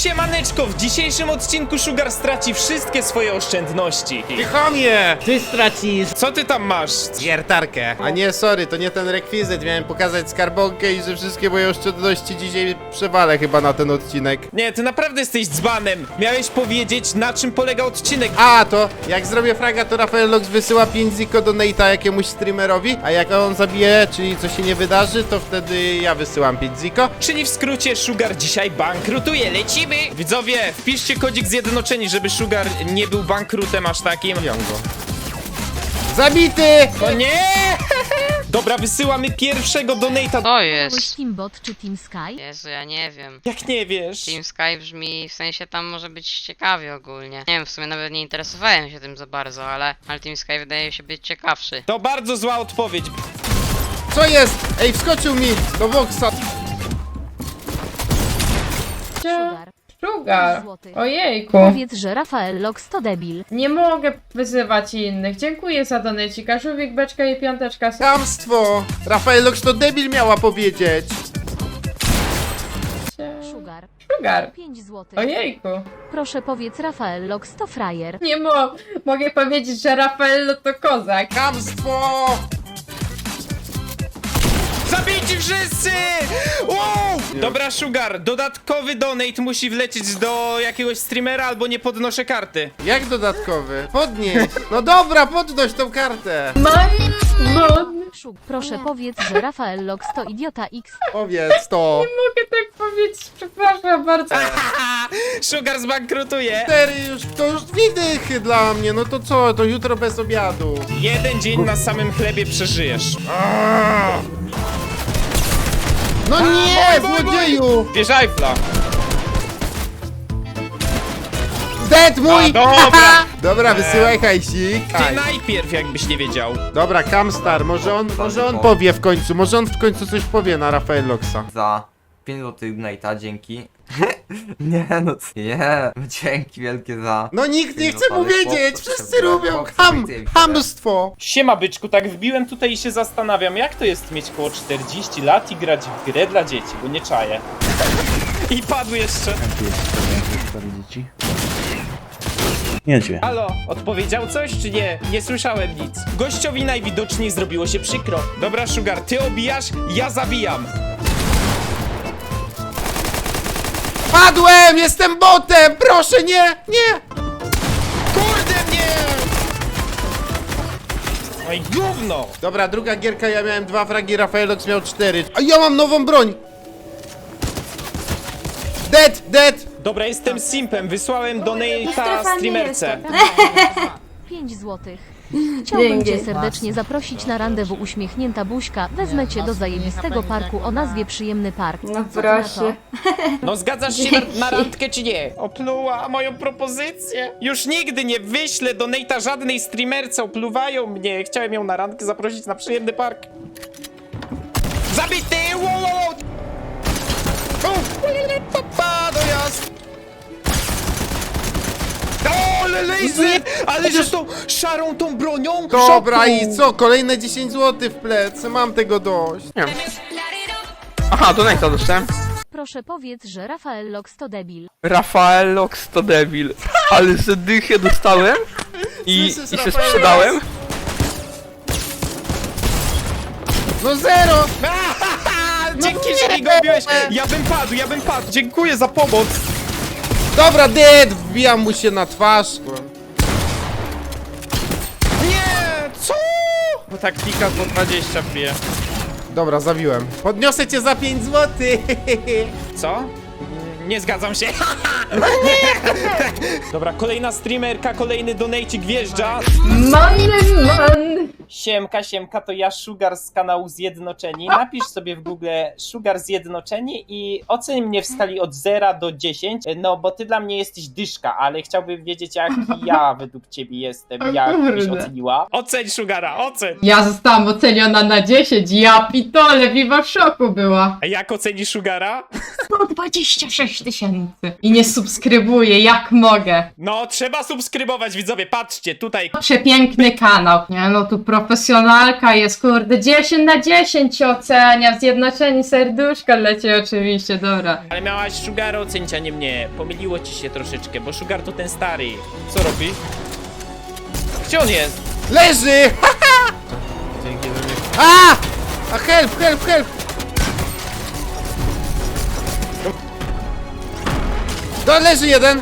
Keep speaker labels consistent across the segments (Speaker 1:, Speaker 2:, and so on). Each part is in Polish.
Speaker 1: Siemaneczko, w dzisiejszym odcinku Sugar straci wszystkie swoje oszczędności.
Speaker 2: Chamie!
Speaker 3: Ty stracisz.
Speaker 1: Co ty tam masz?
Speaker 2: Wiertarkę. A nie, sorry, to nie ten rekwizyt. Miałem pokazać skarbonkę i że wszystkie moje oszczędności dzisiaj przewalę chyba na ten odcinek.
Speaker 1: Nie, ty naprawdę jesteś dzbanem. Miałeś powiedzieć, na czym polega odcinek.
Speaker 2: A, to jak zrobię fraga, to Rafael Lox wysyła 5 ziko do Nate'a jakiemuś streamerowi, a jak on zabije, czyli co się nie wydarzy, to wtedy ja wysyłam 5 ziko.
Speaker 1: Czyli w skrócie Sugar dzisiaj bankrutuje. Lecimy! Widzowie, wpiszcie kodzik Zjednoczeni, żeby Sugar nie był bankrutem aż takim.
Speaker 2: Go. Zabity!
Speaker 1: O nie! Dobra, wysyłamy pierwszego donate'a.
Speaker 4: To jest.
Speaker 5: Teambot czy Team Sky?
Speaker 4: Jezu, ja nie wiem.
Speaker 1: Jak nie wiesz?
Speaker 4: Team Sky brzmi, w sensie tam może być ciekawie ogólnie. Nie wiem, w sumie nawet nie interesowałem się tym za bardzo, ale Team Sky wydaje się być ciekawszy.
Speaker 1: To bardzo zła odpowiedź.
Speaker 2: Co jest? Ej, wskoczył mi do Voxa.
Speaker 5: Sugar.
Speaker 6: Sugar.
Speaker 5: Złoty.
Speaker 6: Ojejku.
Speaker 5: Powiedz, że Rafael Lox to debil.
Speaker 6: Nie mogę wyzywać innych. Dziękuję za donecika. Żółwik, beczka i piąteczka.
Speaker 2: Chamstwo! Rafael Lox to debil miała powiedzieć.
Speaker 5: Sugar.
Speaker 6: Sugar.
Speaker 5: 5 złotych.
Speaker 6: Ojejku.
Speaker 5: Proszę powiedz Rafael Lox to frajer.
Speaker 6: Nie mogę powiedzieć, że Rafaello to kozak.
Speaker 2: Chamstwo!
Speaker 1: Zabijcie wszyscy! Wow! Dobra, Sugar, dodatkowy donate musi wlecieć do jakiegoś streamera, albo nie podnoszę karty.
Speaker 2: Jak dodatkowy? Podnieś! No dobra, podnoś tą kartę!
Speaker 5: Sugar. Proszę powiedz, że Rafael Lox to idiota X.
Speaker 2: Powiedz to!
Speaker 6: Mogę tak powiedzieć, przepraszam bardzo.
Speaker 1: Sugar zbankrutuje.
Speaker 2: 4 już, to już 2 dychy dla mnie, no to co, to jutro bez obiadu.
Speaker 1: Jeden dzień na samym chlebie przeżyjesz.
Speaker 2: No nie,
Speaker 1: boj, boj,
Speaker 2: złodzieju!
Speaker 1: Bierz Eiffla.
Speaker 2: Dead mój!
Speaker 1: A, dobra.
Speaker 2: Dobra, wysyłaj hajsik.
Speaker 1: Ty najpierw, jakbyś nie wiedział.
Speaker 2: Dobra, Camstar, może on powie w końcu, może on w końcu coś powie na Rafael Loxa.
Speaker 7: Za 5 złotych Nate'a, dzięki. Nie no, nie, no dzięki wielkie za...
Speaker 2: No nikt nie
Speaker 7: No,
Speaker 2: chce
Speaker 7: ale
Speaker 2: powiedzieć,
Speaker 7: chłopcy
Speaker 2: wszyscy
Speaker 7: sobie-
Speaker 2: lubią
Speaker 7: chłopcy
Speaker 2: ham,
Speaker 7: sobie-
Speaker 2: hamstwo.
Speaker 1: Siema byczku, tak wbiłem tutaj i się zastanawiam, jak to jest mieć koło 40 lat i grać w grę dla dzieci, bo nie czaję. I padł jeszcze.
Speaker 3: Niedźwie.
Speaker 1: Halo, odpowiedział coś czy nie? Nie słyszałem nic. Gościowi najwidoczniej zrobiło się przykro. Dobra, Sugar, ty obijasz, ja zabijam.
Speaker 2: Padłem, jestem botem, proszę nie, nie.
Speaker 1: Kurde mnie! Oj, gówno!
Speaker 2: Dobra, druga gierka, ja miałem 2 fragi, Rafael Lox miał 4. A ja mam nową broń. Dead.
Speaker 1: Dobra, jestem simpem, wysłałem donate'a streamerce.
Speaker 5: 5 złotych. Chciałbym cię serdecznie zaprosić na randewu uśmiechnięta buźka. Wezmę cię do zajebistego parku o nazwie Przyjemny Park.
Speaker 6: No
Speaker 5: Co ty na to?
Speaker 6: proszę.
Speaker 1: No zgadzasz się na randkę czy nie? Opluła moją propozycję. Już nigdy nie wyślę donate'a żadnej streamerce, opluwają mnie. Chciałem ją na randkę zaprosić na przyjemny park. Zabity! Wow! Papa, dojazd! O, ale laser! Ale że tą szarą tą bronią?
Speaker 2: Dobra,
Speaker 1: Szoku!
Speaker 2: i co, kolejne 10 zł w plec, mam tego dość.
Speaker 3: Aha, do Nate'a dostałem.
Speaker 5: Proszę powiedz, że Rafael Lox to debil.
Speaker 3: Rafael Lox to debil. Ale z dychę dostałem i
Speaker 2: Słyszysz,
Speaker 3: się
Speaker 2: Rafael
Speaker 3: sprzedałem.
Speaker 2: No zero!
Speaker 1: Dzięki, że mi go obiłeś! Ja bym padł! Dziękuję za pomoc!
Speaker 2: Dobra, dead, wbijam mu się na twarz.
Speaker 1: Nie! Co? No tak klika po 20 wbije.
Speaker 2: Dobra, zabiłem. Podniosę cię za 5 zł.
Speaker 1: Co? Nie zgadzam się. Dobra, kolejna streamerka, kolejny donajcik wjeżdża.
Speaker 6: Man.
Speaker 1: Siemka, to ja Sugar z kanału Zjednoczeni. Napisz sobie w Google Sugar Zjednoczeni i oceń mnie w skali od 0 do 10. No, bo ty dla mnie jesteś dyszka, ale chciałbym wiedzieć, jak ja według ciebie jestem. Jak byś
Speaker 6: kurde.
Speaker 1: oceniła? Oceń Sugara, oceń!
Speaker 6: Ja zostałam oceniona na 10. Ja pitole, Viva w szoku była.
Speaker 1: A jak ocenisz Sugara?
Speaker 6: 126 6000 i nie subskrybuję, jak mogę.
Speaker 1: No, trzeba subskrybować, widzowie, patrzcie, tutaj.
Speaker 6: Przepiękny kanał. Nie no, tu profesjonalka jest, kurde, 10 na 10 się ocenia, zjednoczeni serduszko leci oczywiście, dobra.
Speaker 1: Ale miałaś Sugara ocenić, a nie mnie. Pomyliło ci się troszeczkę, bo Sugar to ten stary. Co robi? Gdzie on jest?
Speaker 2: Leży! Dzięki za mnie. A help, help, help! To leży jeden!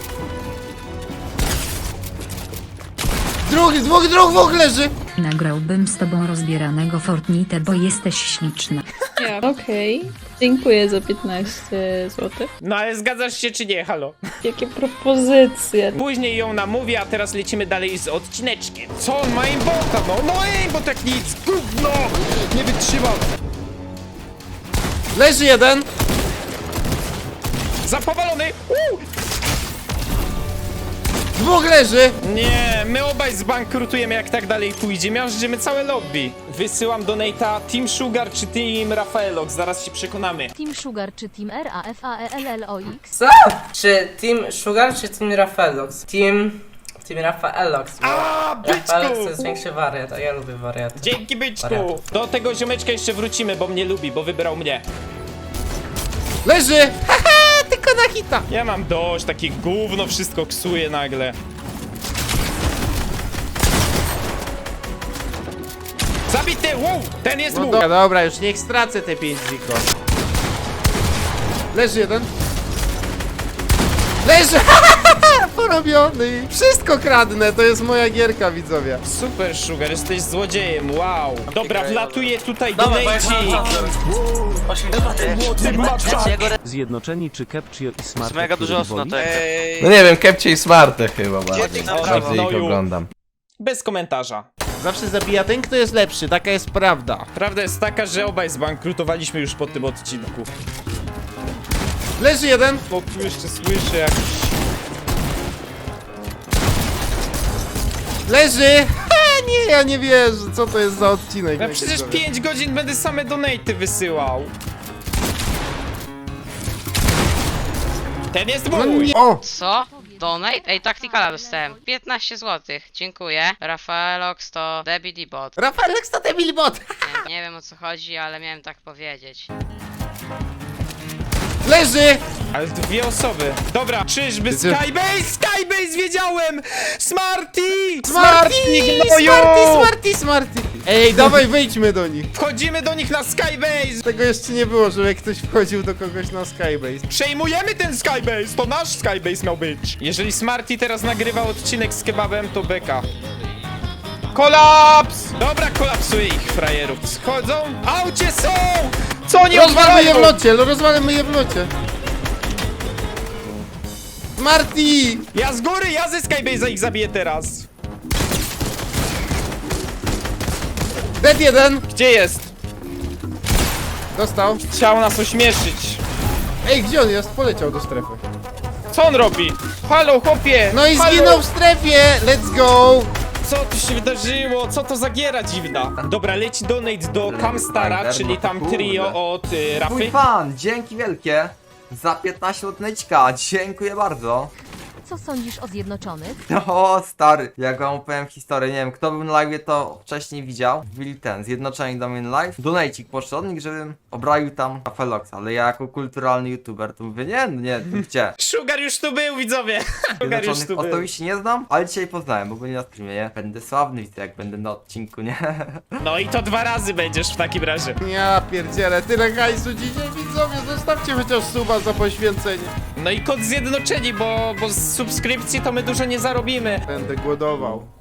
Speaker 2: Drugi, dwóch leży!
Speaker 8: Nagrałbym z tobą rozbieranego Fortnite, bo jesteś śliczna.
Speaker 9: Okej, dziękuję za 15 zł.
Speaker 1: No ale zgadzasz się czy nie, halo?
Speaker 9: Jakie propozycje?
Speaker 1: Później ją namówię, a teraz lecimy dalej z odcineczkiem. Co on ma aimbota? No aimbot jak nic! Gówno! Nie wytrzymam!
Speaker 2: Leży jeden!
Speaker 1: Zapowalony!
Speaker 2: Dwóch leży!
Speaker 1: Nie, my obaj zbankrutujemy jak tak dalej pójdzie. Miażdżymy całe lobby. Wysyłam donate'a Team Sugar czy Team Rafaelox, zaraz się przekonamy.
Speaker 5: Team Sugar czy Team RAFAELLOX?
Speaker 10: Co? Czy Team Sugar, czy Team Rafaelox? Team Rafaelox. Rafaelox to jest większy wariat, a ja lubię wariaty.
Speaker 1: Dzięki byczku!
Speaker 10: Wariatów.
Speaker 1: Do tego ziomeczka jeszcze wrócimy, bo mnie lubi, bo wybrał mnie.
Speaker 2: Leży! Haha, tylko na hita!
Speaker 1: Ja mam dość, takie gówno wszystko ksuje nagle. Zabity! Wow! Ten jest
Speaker 2: No
Speaker 1: mój!
Speaker 2: dobra, już niech stracę te 5 ziko. Leży jeden. Leży! Porobiony! Wszystko kradnę, to jest moja gierka, widzowie.
Speaker 1: Super Sugar, jesteś złodziejem, wow! Dobra, wlatuję tutaj donate.
Speaker 11: Zjednoczeni czy Kepcio i Smart?
Speaker 3: Mega dużo osób na to.
Speaker 7: No nie wiem, Kepcie i Smarte chyba bardziej.
Speaker 1: Naprawdę,
Speaker 7: Bardziej ich oglądam.
Speaker 1: Bez komentarza.
Speaker 2: Zawsze zabija ten, kto jest lepszy, taka jest prawda.
Speaker 1: Prawda jest taka, że obaj zbankrutowaliśmy już po tym odcinku.
Speaker 2: Leży jeden.
Speaker 1: Bo tu jeszcze słyszę jak...
Speaker 2: Leży! Ha, nie, ja nie wierzę, co to jest za odcinek.
Speaker 1: Ja przecież 5 godzin będę same donaty wysyłał. Ten jest
Speaker 2: No
Speaker 1: mój!
Speaker 2: nie. O!
Speaker 4: Co? Donate? Ej, Tacticala dostałem. 15 zł. Dziękuję. Rafaelox to Debbie Bot.
Speaker 2: Rafael to debil bot!
Speaker 4: Nie wiem o co chodzi, ale miałem tak powiedzieć.
Speaker 2: Leży!
Speaker 1: Ale dwie osoby. Dobra, czyżby Skybase? Skybase wiedziałem! Smarty!
Speaker 2: Smarty! Ej, dawaj, wejdźmy do nich.
Speaker 1: Wchodzimy do nich na Skybase!
Speaker 2: Tego jeszcze nie było, żeby ktoś wchodził do kogoś na Skybase.
Speaker 1: Przejmujemy ten Skybase! To nasz Skybase miał być. Jeżeli Smarty teraz nagrywa odcinek z kebabem, to beka. Kolaps! Dobra, kolapsuje ich frajerów. Schodzą? Aucie są! Co oni
Speaker 2: Rozwalmy je w
Speaker 1: odwalają?
Speaker 2: locie, rozwalmy je w locie. Smarty!
Speaker 1: Ja z góry, ja ze Skybase'a ich zabiję teraz.
Speaker 2: Dead jeden!
Speaker 1: Gdzie jest?
Speaker 2: Dostał.
Speaker 1: Chciał nas ośmieszyć.
Speaker 2: Ej, gdzie on jest? Poleciał do strefy.
Speaker 1: Co on robi? Halo, chłopie!
Speaker 2: No i
Speaker 1: Halo!
Speaker 2: zginął w strefie! Let's go!
Speaker 1: Co tu się wydarzyło? Co to za giera dziwna? Dobra, leci donate do Camstara, czyli tam trio od Rafy.
Speaker 7: Mój fan, dzięki wielkie za 15 odneczka, dziękuję bardzo.
Speaker 5: Co sądzisz o Zjednoczonych?
Speaker 7: O stary, jak wam opowiem historię, nie wiem, kto był na live to wcześniej widział. Wbili ten, Zjednoczeni Domain Live. Donajcik poszedł od nich, żebym obraił tam Rafaeloxa, ale ja jako kulturalny youtuber to mówię, nie, to gdzie?
Speaker 1: Sugar już tu był, widzowie! Sugar już tu
Speaker 7: Zjednoczonych
Speaker 1: był.
Speaker 7: osobiście nie znam, ale dzisiaj poznałem, bo byli na streamie, nie? Będę sławny, widzę jak będę na odcinku, nie?
Speaker 1: No i to 2 razy będziesz w takim razie.
Speaker 2: Ja pierdzielę, tyle hajsu dzisiaj, widzowie, zostawcie chociaż suba za poświęcenie.
Speaker 1: No i kod Zjednoczeni, bo z subskrypcji to my dużo nie zarobimy.
Speaker 2: Będę głodował.